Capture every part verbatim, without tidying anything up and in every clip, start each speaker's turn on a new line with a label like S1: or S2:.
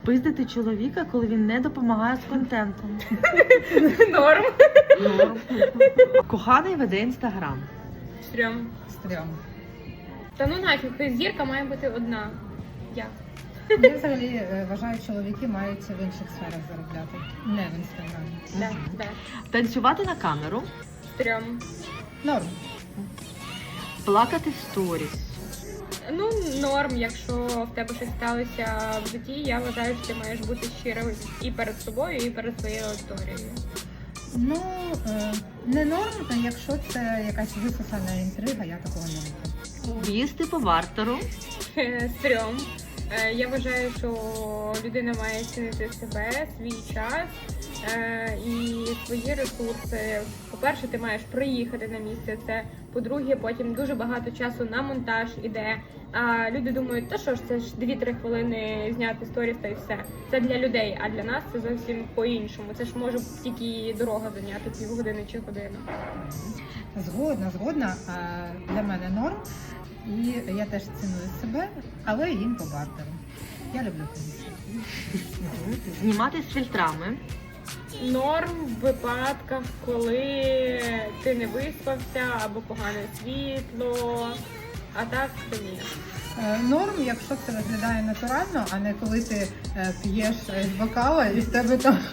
S1: Пиздити чоловіка, коли він не допомагає з контентом.
S2: Норм.
S1: Норм. Коханий веде інстаграм.
S2: Стрьом.
S3: Стрьом.
S2: Та ну нафіг, зірка має бути одна. Я.
S3: Я взагалі е, вважаю, чоловіки мають в інших сферах заробляти. Не в інстаграмі.
S2: Да, да.
S1: Танцювати на камеру.
S2: Стрьом.
S3: Норм.
S1: Плакати в сторіс.
S2: Ну, норм, якщо в тебе щось сталося в житті, я вважаю, що ти маєш бути щирим і перед собою, і перед своєю аудиторією.
S3: Ну, е, не норм, а якщо це якась висосана інтрига, я такого не люблю.
S1: Їсти по бартеру.
S2: Стрьом. Е, Я вважаю, що людина має цінити себе, свій час е, і свої ресурси. По-перше, ти маєш приїхати на місце це. По-друге, потім дуже багато часу на монтаж іде. А люди думають, та що ж, це ж дві-три хвилини зняти сторіс та й все. Це для людей, а для нас це зовсім по-іншому. Це ж може тільки дорога зайняти півгодини чи годину.
S3: Згодна, згодна. А для мене норм. І я теж ціную себе, але їм по бартеру. Я люблю комісію.
S1: Знімати з фільтрами.
S2: Норм в випадках, коли ти не виспався або погане світло, а так то ні.
S3: Е, Норм, якщо це виглядає натурально, а не коли ти е, п'єш з бокала і в тебе там.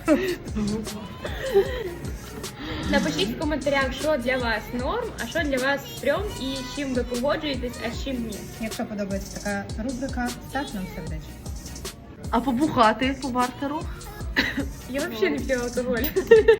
S2: Напишіть в коментарях, що для вас норм, а що для вас стрьом і з чим ви погоджуєтесь, а з чим ні.
S3: Якщо подобається така рубрика, став нам сердечко.
S1: А побухати по бартеру.
S2: Я взагалі не п'ю алкоголь.